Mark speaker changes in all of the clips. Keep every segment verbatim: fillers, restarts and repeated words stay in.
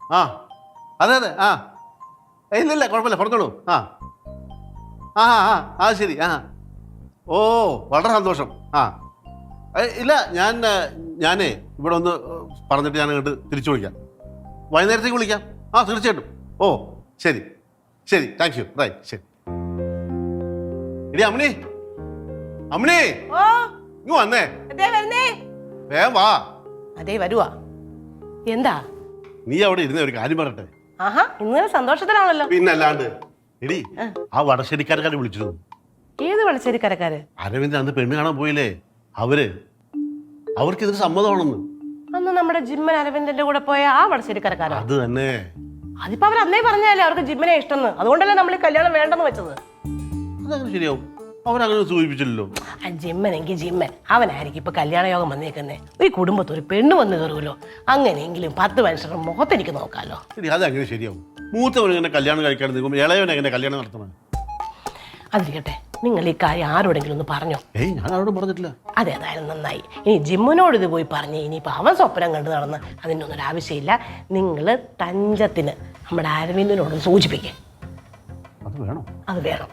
Speaker 1: ആ അതെ അതെ ആ ഇല്ലില്ല കുഴപ്പമില്ല പറഞ്ഞോളൂ ആ ആ ആ ആ ശരി ആ ഓ വളരെ സന്തോഷം ആ ഇല്ല ഞാൻ ഞാനേ ഇവിടെ ഒന്ന് പറഞ്ഞിട്ട് ഞാൻ അങ്ങോട്ട് തിരിച്ചു വിളിക്കാം വൈകുന്നേരത്തേക്ക് വിളിക്കാം ആ തീർച്ചയായിട്ടും ഓ ശരി ശരി താങ്ക് യു റൈറ്റ് ശരി എടി അമ്മിണി അമ്മിണി ഇങ്ങ് വന്നേ വേഗം വാ
Speaker 2: അതേ വരുവാ എന്താ
Speaker 1: നീ അവിടെ ഇരുന്ന ഒരു കാര്യം പറയട്ടെ
Speaker 2: ആഹാ ഇന്നലെ സന്തോഷത്തിലാണല്ലോ
Speaker 1: പിന്നല്ലാണ്ട് എടി ആ വടശ്ശേരിക്കാരക്കാരെ വിളിച്ചിരുന്നു
Speaker 2: ഏത് വടശ്ശേരിക്കാരക്കാര്
Speaker 1: അരവിന്ദ് അന്ന് പെണ്ണ് കാണാൻ പോയില്ലേ അവര് അവർക്ക് ഇതിന് സമ്മതമാണെന്ന്
Speaker 2: അന്ന് നമ്മുടെ ജിമ്മൻ അരവിന്ദന്റെ കൂടെ പോയ ആ വടശ്ശേരിക്കാരക്കാരോ
Speaker 1: അത് തന്നെ
Speaker 2: അതിപ്പോ അവർ അന്നേ പറഞ്ഞല്ലേ അവർക്ക് ജിമ്മനെ ഇഷ്ടമെന്ന് അതുകൊണ്ടല്ലേ നമ്മൾ ഈ കല്യാണം വേണ്ടെന്ന് വെച്ചത്
Speaker 1: അതങ്ങനെ ശരിയാവും അവരങ്ങനെ സൂചിപ്പിച്ചില്ലല്ലോ
Speaker 2: ആ ജിമ്മനെങ്കിൽ ജിമ്മൻ അവനായിരിക്കും ഇപ്പൊ കല്യാണ യോഗം വന്നേക്കുന്നേ ഈ കുടുംബത്തിൽ ഒരു പെണ്ണ് വന്ന് കയറുമല്ലോ അങ്ങനെയെങ്കിലും പത്ത് മനുഷ്യരുടെ മുഖത്തെനിക്ക് നോക്കാമല്ലോ
Speaker 1: അതങ്ങനെ ശരിയാവും മൂത്തവൻ എങ്ങനെ കല്യാണം കഴിക്കാൻ നിൽക്കുമ്പോൾ ഇളയവൻ എങ്ങനെ കല്യാണം നടത്തണം
Speaker 2: അതിരിക്കട്ടെ നിങ്ങൾ ഈ കാര്യം ആരോടെങ്കിലും ഒന്ന് പറഞ്ഞോ
Speaker 1: ഏയ് ഞാൻ ആരോടും പറഞ്ഞിട്ടില്ല
Speaker 2: അതെ അതായാലും നന്നായി ഇനി ജിമ്മിനോട് ഇത് പോയി പറഞ്ഞ് ഇനിയിപ്പോൾ അവൻ സ്വപ്നം കണ്ടു നടന്ന് അതിൻ്റെ ഒന്നും ആവശ്യമില്ല നിങ്ങൾ തഞ്ചത്തിന് നമ്മുടെ അരവിന്ദനോട് സൂചിപ്പിക്കുക
Speaker 1: അത് വേണം
Speaker 2: അത് വേണം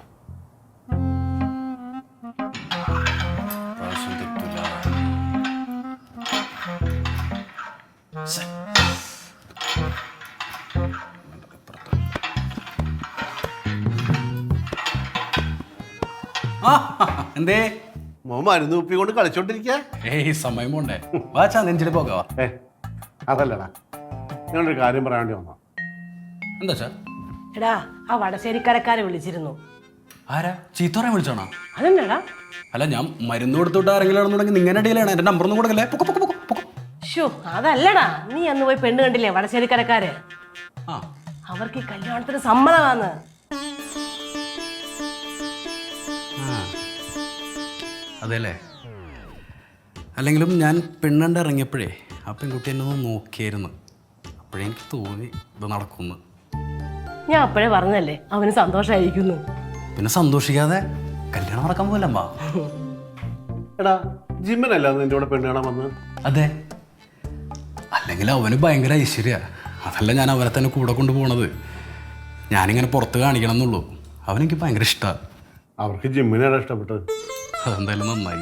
Speaker 3: എന്തേ
Speaker 1: മോ മരുന്ന് കുപ്പി കൊണ്ട് കളിച്ചോണ്ടിരിക്കുക
Speaker 3: ഏയ് സമയം പോണ്ടേ വാച്ചാ നെഞ്ചില് പോകാവാ
Speaker 1: ഏ അതല്ലടാ ഞാനൊരു കാര്യം പറയാൻ വേണ്ടി വന്നോ
Speaker 3: എന്താ
Speaker 2: എടാ ആ വടശ്ശേരിക്കാരക്കാരെ വിളിച്ചിരുന്നു
Speaker 3: ആരാ ചീത്തോറെ വിളിച്ചോണോ
Speaker 2: അതെന്നാടാ
Speaker 3: അല്ല ഞാൻ മരുന്ന് കൊടുത്തിട്ട് ആരെങ്കിലും ആണെന്നുണ്ടെങ്കിൽ നിങ്ങനെ ഇടയിലാണ് എന്റെ നമ്പർ ഒന്നും കൊടുക്കല്ലേ
Speaker 2: ഷോ അതല്ലടാ നീ അന്ന് പോയി പെണ്ണ് കണ്ടില്ലേ വടശ്ശേരിക്കാരക്കാര്
Speaker 3: ആ
Speaker 2: അവർക്ക് ഈ കല്യാണത്തിന് സമ്മതമാന്ന്
Speaker 3: അതെല്ലേ അല്ലെങ്കിലും ഞാൻ പെണ്ണണ്ട് ഇറങ്ങിയപ്പോഴേ ആ പെൺകുട്ടി എന്നെ ഒന്ന് നോക്കിയായിരുന്നു അപ്പോഴേ എനിക്ക് തോന്നി ഇത് നടക്കുന്നു
Speaker 2: ഞാൻ അപ്പോഴേ പറഞ്ഞല്ലേ അവന് സന്തോഷമായിരിക്കുന്നു
Speaker 3: പിന്നെ സന്തോഷിക്കാതെ കല്യാണം നടക്കാൻ പോലമ്മ
Speaker 1: എടാ ജിമ്മനല്ല നിന്റെ കൂടെ പെണ്ണ് കാണാൻ വന്നത്
Speaker 3: അതെ അല്ലെങ്കിൽ അവന് ഭയങ്കര ഐശ്വര്യ അതല്ല ഞാൻ അവനെ തന്നെ കൂടെ കൊണ്ടുപോകണത് ഞാനിങ്ങനെ പുറത്ത് കാണിക്കണം എന്നുള്ളൂ അവനെനിക്ക് ഭയങ്കര ഇഷ്ടമാണ്
Speaker 1: അവർക്ക് ജിമ്മിനാണ് ഇഷ്ടപ്പെട്ടത്
Speaker 3: അതെന്തായാലും നന്നായി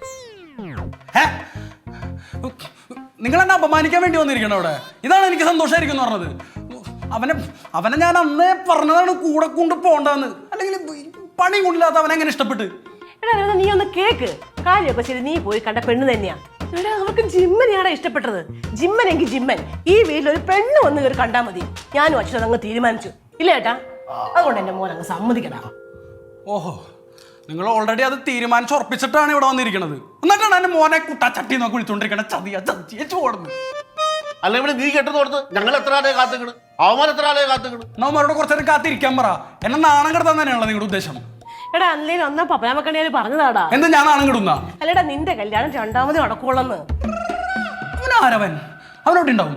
Speaker 3: നിങ്ങൾ എന്നെ അപമാനിക്കാൻ വേണ്ടി വന്നിരിക്കണം അവിടെ ഇതാണ് എനിക്ക് സന്തോഷമായിരിക്കും എന്ന് പറഞ്ഞത് അവനെ അവനെ ഞാൻ അന്നേ പറഞ്ഞതാണ് കൂടെ കൊണ്ട് പോണ്ടെന്ന് അല്ലെങ്കിൽ പണി കൊണ്ടില്ലാത്ത അവനെ എങ്ങനെ ഇഷ്ടപ്പെട്ട്
Speaker 2: എടാ നീ ഒന്ന് കേക്ക് കാര്യമൊക്കെ ശരി നീ പോയി കണ്ട പെണ്ണ് തന്നെയാ എടാ അവർക്ക് ജിമ്മനെയാടാ ഇഷ്ടപ്പെട്ടത് ജിമ്മനെങ്കിൽ ജിമ്മൻ ഈ വീട്ടിൽ ഒരു പെണ്ണ് വന്ന് കയറി കണ്ടാൽ മതി ഞാനും അച്ഛനും അങ്ങ് തീരുമാനിച്ചു ഇല്ല ഏട്ടാ അതുകൊണ്ട് എന്റെ മോൻ അങ്ങ് സമ്മതിക്കടാ
Speaker 3: ഓഹോ നിങ്ങൾ ഓൾറെഡി അത് തീരുമാനിച്ച് ഉറപ്പിച്ചിട്ടാണ് ഇവിടെ വന്നിരിക്കുന്നത് എന്നിട്ടാണ് എന്റെ മോനെ കുട്ടാ ചട്ടി നോക്കി വിളിച്ചോണ്ടിരിക്കണ ചതിയ ചതിച്ചു ഓടുന്നു
Speaker 1: അല്ല ഇവിടെ നീ കെട്ടുന്ന കൊടുത്ത് ഞങ്ങൾ എത്ര ആളെ കാത്തുക്കണ് അവന്മാർ എത്ര ആളെ കാത്തുക്കണ്
Speaker 3: നമ്മളുടെ കുറച്ചേരം കാത്തിരിക്കാൻ പറ എന്നെ നാണം കിടത്താൻ തന്നെയാണല്ലോ നിങ്ങളുടെ ഉദ്ദേശം
Speaker 2: എടാ അല്ലേലും ഒന്നാ പപ്പനാമക്കണ്ണിയാല് പറഞ്ഞതാടാ
Speaker 3: എന്ത് ഞാൻ നാണം കിടുന്ന
Speaker 2: അല്ലടാ നിന്റെ കല്യാണം രണ്ടാമത് നടക്കുള്ളന്ന്
Speaker 3: അവനാരവൻ അവനോട്ട് ഉണ്ടാവും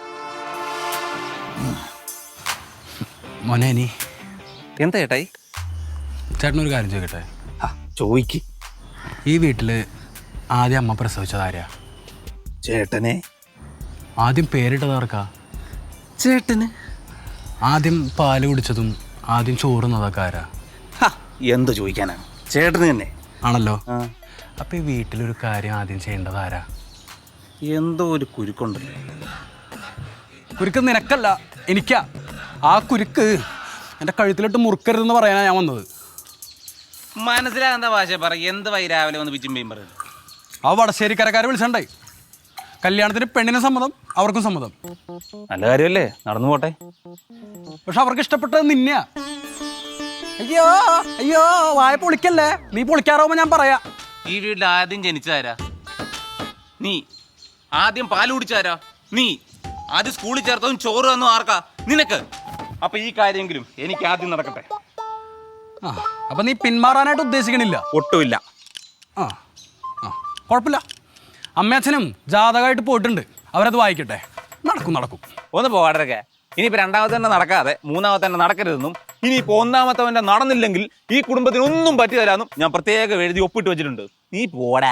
Speaker 3: മോനെ നീ
Speaker 4: എന്താ ചേട്ടായി
Speaker 3: ചേട്ടനൊരു കാര്യം ചോദിക്കട്ടെ
Speaker 4: ചോയ്ക്ക്
Speaker 3: ഈ വീട്ടില് ആദ്യം അമ്മ പ്രസവിച്ചത് ആരാ
Speaker 4: ചേട്ടനെ
Speaker 3: ആദ്യം പേരിട്ടതാർക്കാ
Speaker 4: ചേട്ടന്
Speaker 3: ആദ്യം പാല് കുടിച്ചതും ആദ്യം ചോറുന്നതൊക്കെ ആരാ
Speaker 4: എന്ത് ചോദിക്കാനാണ് ചേട്ടന് തന്നെ
Speaker 3: ആണല്ലോ അപ്പൊ ഈ വീട്ടിലൊരു കാര്യം ആദ്യം ചെയ്യേണ്ടത് ആരാ
Speaker 4: എന്തോ ഒരു കുരുക്കുണ്ടല്ലോ
Speaker 3: കുരുക്ക് നിനക്കല്ല എനിക്കാ ആ കുരുക്ക് എൻ്റെ കഴുത്തിലിട്ട് മുറുക്കരുതെന്ന് പറയാനാ ഞാൻ വന്നത്
Speaker 4: മനസ്സിലാകുന്ന ഭാഷ പറ എന്ത് വൈ രാവിലെ വന്ന് പിച്ചുമ്പയും പറയുന്നത്
Speaker 3: ആ വടശ്ശേരിക്കരക്കാരെ വിളിച്ചണ്ടേ കല്യാണത്തിന് പെണ്ണിന് സമ്മതം അവർക്കും സമ്മതം
Speaker 4: നല്ല കാര്യമല്ലേ നടന്നു പോട്ടെ
Speaker 3: പക്ഷെ അവർക്ക് ഇഷ്ടപ്പെട്ടത് നിന്നെയാ അയ്യോ അയ്യോ വായ പൊളിക്കല്ലേ നീ പൊളിക്കാറാവുമ്പോ ഞാൻ പറയാ
Speaker 4: ഈ വീട്ടിൽ ആദ്യം ജനിച്ചതാരാ നീ ആദ്യം പാല് കുടിച്ചാരാ നീ ആദ്യം സ്കൂളിൽ ചേർത്തതും ചോറ് തന്നു ആർക്കാ നിനക്ക് അപ്പൊ ഈ കാര്യമെങ്കിലും എനിക്ക് ആദ്യം നടക്കട്ടെ
Speaker 3: ആ അപ്പൊ നീ പിന്മാറാനായിട്ട് ഉദ്ദേശിക്കണില്ല
Speaker 4: ഒട്ടുമില്ല
Speaker 3: ആ ആ കുഴപ്പമില്ല അമ്മയച്ഛനും ജാതകമായിട്ട് പോയിട്ടുണ്ട് അവരത് വായിക്കട്ടെ നടക്കും നടക്കും
Speaker 4: ഒന്ന് പോകാടൊക്കെ ഇനിയിപ്പോ രണ്ടാമത്തെ തന്നെ നടക്കാതെ മൂന്നാമത്തെ തന്നെ നടക്കരുതെന്നും ഇനിയിപ്പോ ഒന്നാമത്തെ നടന്നില്ലെങ്കിൽ ഈ കുടുംബത്തിന് ഒന്നും പറ്റി തരാമെന്നും ഞാൻ പ്രത്യേകം എഴുതി ഒപ്പിട്ട് വെച്ചിട്ടുണ്ട് നീ പോടാ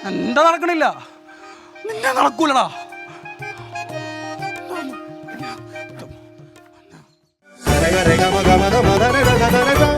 Speaker 3: എന്റെ നടക്കണില്ല, നിന്റെ നടക്കൂലടാ.
Speaker 1: Rega, rega, maga, maga, maga, rega, rega, rega.